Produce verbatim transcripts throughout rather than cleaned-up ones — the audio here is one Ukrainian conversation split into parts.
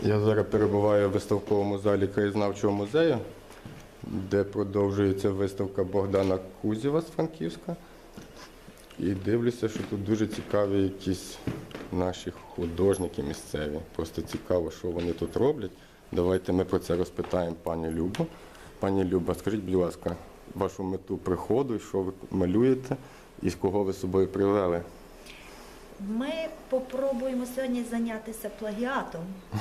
Я зараз перебуваю в виставковому залі краєзнавчого музею, де продовжується виставка Богдана Кузєва з Франківська. І дивлюся, що тут дуже цікаві якісь наші художники місцеві. Просто цікаво, що вони тут роблять. Давайте ми про це розпитаємо пані Любу. Пані Люба, скажіть, будь ласка, вашу мету приходу, що ви малюєте і з кого ви з собою привели? Ми попробуємо сьогодні зайнятися плагіатом.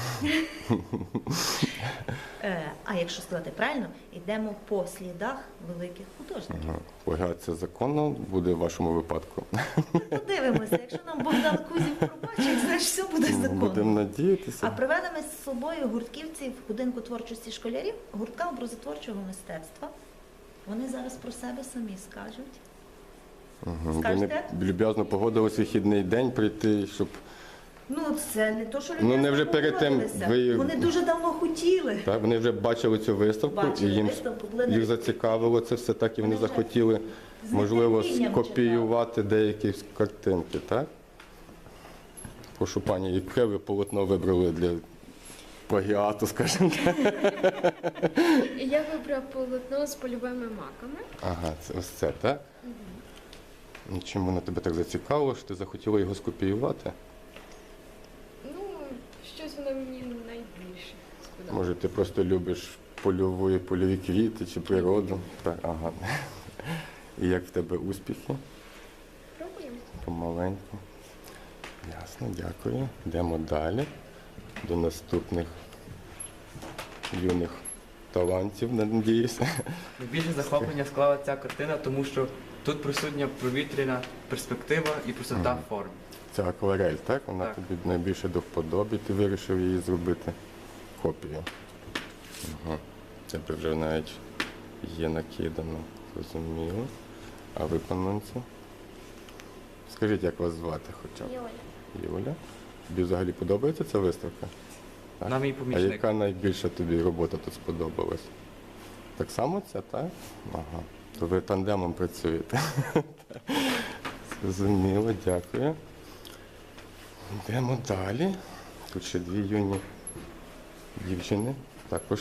Е, А якщо сказати правильно, йдемо по слідах великих художників. Ага. Плагіат це законно буде в вашому випадку? Подивимося, якщо нам Богдан Кузів пробачить, значить все буде законно. Будемо надіятися. А привели ми з собою гуртківців будинку творчості школярів, гуртка образотворчого мистецтва. Вони зараз про себе самі скажуть. Угу. Вони Скажете? люб'язно погодились вихідний день прийти, щоб... Ну, це не то, що люди Ну, не вже перед тим ви- Вони дуже давно хотіли. Так, вони вже бачили цю виставку, Бачили і їм виставку, були їх на- зацікавило це все так, і вони Вони вже захотіли, з можливо, нетерпінням скопіювати деякі картинки, так? Прошу, пані, яке ви полотно вибрали для плагіату, скажімо так? Я вибрав полотно з польовими маками. Ага, це ось це, так? І чим воно тебе так зацікавило, що ти захотіла його скопіювати? Ну, щось воно мені найбільше сподобалося. Може, ти просто любиш польові, польові квіти чи природу? Так, ага. І як в тебе успіхи? Пробуємо. Помаленьку. Ясно, дякую. Йдемо далі до наступних юних талантів, надіюся. Найбільше захоплення склала ця картина, тому що тут присутня провітряна перспектива і простота форм. Це акварель, так? Вона Так. тобі найбільше до вподоби, ти вирішив її зробити копію. Ага. Це вже навіть є накидано, зрозуміло. А виконанці? Скажіть, як вас звати хоча б? Юля. Юля? Тобі взагалі подобається ця виставка? Так. Вона мій А помічник. яка найбільша тобі робота тут сподобалась? Так само ця, так? Ага. То ви тандемом працюєте. Зрозуміло, дякую. Йдемо далі. Тут ще дві юні дівчини також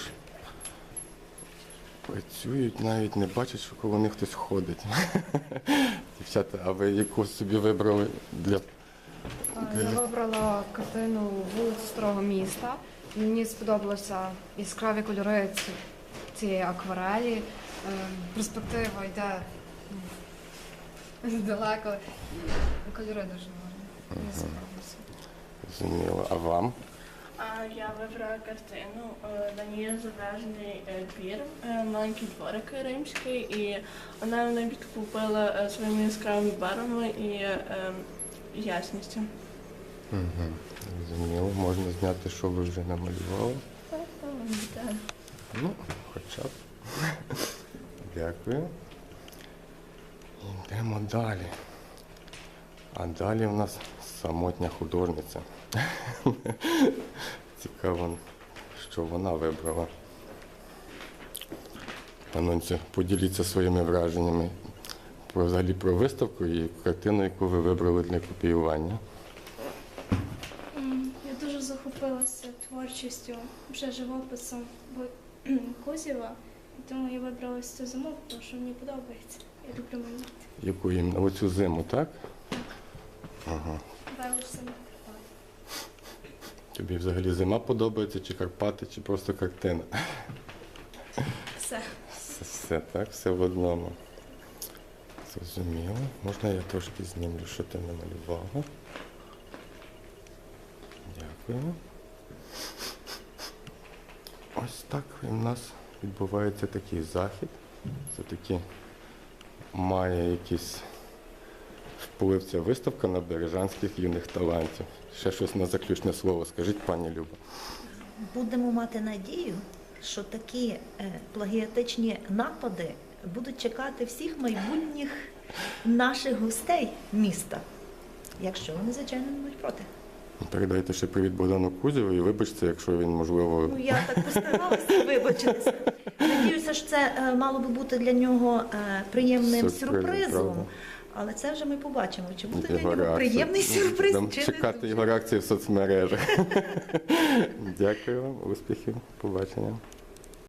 працюють, навіть не бачать, що коло них хтось ходить. Дівчата, а ви яку собі вибрали для... Я вибрала картину вулиці Старого міста. Мені сподобалися яскраві кольори ці- цієї акварелі. Е, Перспектива йде ну, далеко. І кольори дуже гарні. Мені сподобалося. Зрозуміло. А вам? А я вибрала картину. е, На ній зображений е, двір, е, маленький дворик римський, і вона мене підкупила е, своїми яскравими барвами і е, ясністю. Угу. Зрозуміло. Можна зняти, що ви вже намалювали. Так. Ну, хоча б. Дякую. Йдемо далі. А далі у нас самотня художниця. Цікаво, що вона вибрала. Анонці, поділіться своїми враженнями про, взагалі про виставку і картину, яку ви вибрали для копіювання. Я дуже захопилася творчістю, вже живописом Кузєва, і тому я вибрала цю зиму, тому що мені подобається. Я люблю малювати. Яку їм на оцю зиму, так? Ага. Бавишся на Карпати. Тобі взагалі зима подобається, чи Карпати, чи просто картина? Все. Все, все так, все в одному. Зрозуміло. Можна я трошки знімлю, що ти намалювала? Дякую. Ось так у нас відбувається такий захід. Все-таки має якийсь вплив ця виставка на бережанських юних талантів. Ще щось на заключне слово скажіть, пані Люба. Будемо мати надію, що такі е, плагіатичні напади будуть чекати всіх майбутніх наших гостей міста, якщо вони, звичайно, не будуть проти. Передайте ще привіт Богдану Кузєву і вибачте, якщо він, можливо, Ну, я так постаралася вибачитися. Надіюся, що це е, мало би бути для нього е, приємним Сюрпризом, сюрпризом. правда. Але це вже ми побачимо, чи буде для Його нього реакцію. приємний сюрприз, Будемо чи не чекати дуже. його реакції в соцмережах. Дякую вам, успіхів, побачення.